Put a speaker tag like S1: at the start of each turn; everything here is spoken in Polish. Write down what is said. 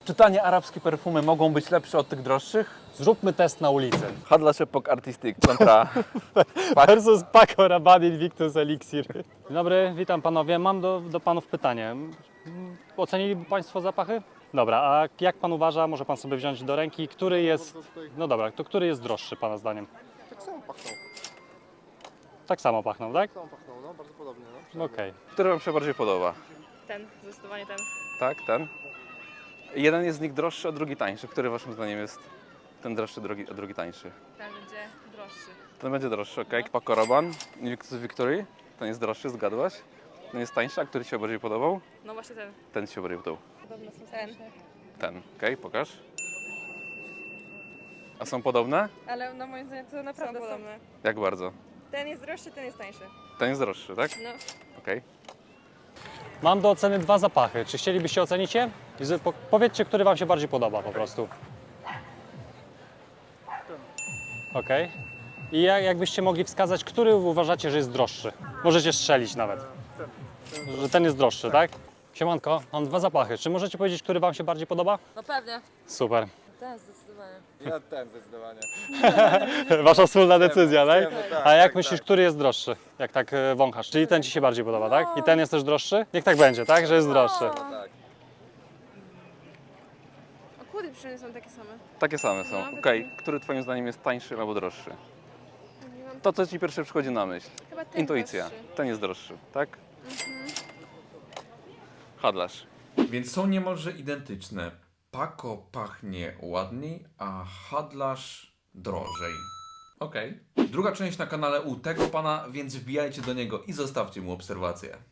S1: Czy tanie arabskie perfumy mogą być lepsze od tych droższych?
S2: Zróbmy test na ulicy.
S1: Handlarz Epok Artistic kontra...
S2: Versus Paco Rabanne Invictus Elixir. Dzień dobry, witam panowie. Mam do panów pytanie. Ocenili państwo zapachy? Dobra, a jak pan uważa, może pan sobie wziąć do ręki, który jest... No dobra, to który jest droższy pana zdaniem?
S3: Tak samo pachną.
S2: Tak samo pachną, tak?
S3: Tak samo pachną, no bardzo podobnie. No.
S2: Okej.
S1: Który wam się bardziej podoba?
S4: Ten, zdecydowanie ten.
S1: Tak, ten? Jeden jest z nich droższy, a drugi tańszy. Który waszym zdaniem jest ten droższy, a drugi tańszy?
S4: Ten będzie droższy.
S1: Ten będzie droższy, okej. Paco Rabanne, Invictus Victory. Ten jest droższy, zgadłaś? Ten jest tańszy, a który ci się bardziej podobał?
S4: No właśnie ten.
S1: Ten ci się bardziej podobał.
S4: Podobne są ten.
S1: Ten, okej, pokaż. A są podobne?
S4: Ale no moim zdaniem to naprawdę są podobne.
S1: Jak bardzo?
S4: Ten jest droższy, ten jest tańszy.
S1: Ten jest droższy, tak?
S4: No.
S1: Okej.
S2: Mam do oceny dwa zapachy. Czy chcielibyście ocenić je? Powiedzcie, który wam się bardziej podoba po prostu. Okej. I jakbyście mogli wskazać, który uważacie, że jest droższy? Możecie strzelić nawet. Że ten jest droższy, tak? Siemanko, mam dwa zapachy. Czy możecie powiedzieć, który wam się bardziej podoba?
S4: No pewnie.
S2: Super.
S4: Ten zdecydowanie.
S3: Ja ten zdecydowanie.
S2: Wasza wspólna decyzja, tak?
S3: Tak,
S2: A jak
S3: tak,
S2: myślisz,
S3: tak.
S2: który jest droższy? Jak tak wąchasz? Czyli ten ci się bardziej podoba, tak? I ten jest też droższy? Niech tak będzie, tak? Że jest droższy.
S3: Tak.
S4: A kłody przynajmniej są takie same.
S1: Takie same są.
S4: No,
S1: Okej. Który twoim zdaniem jest tańszy albo droższy?
S4: Nie mam...
S1: To, co ci pierwsze przychodzi na myśl.
S4: Chyba ten
S1: Intuicja.
S4: droższy.
S1: Ten jest droższy, tak? Handlarz.
S5: Więc są niemalże identyczne. Paco pachnie ładniej, a Handlarz drożej. Okej. Druga część na kanale u tego pana, więc wbijajcie do niego i zostawcie mu obserwację.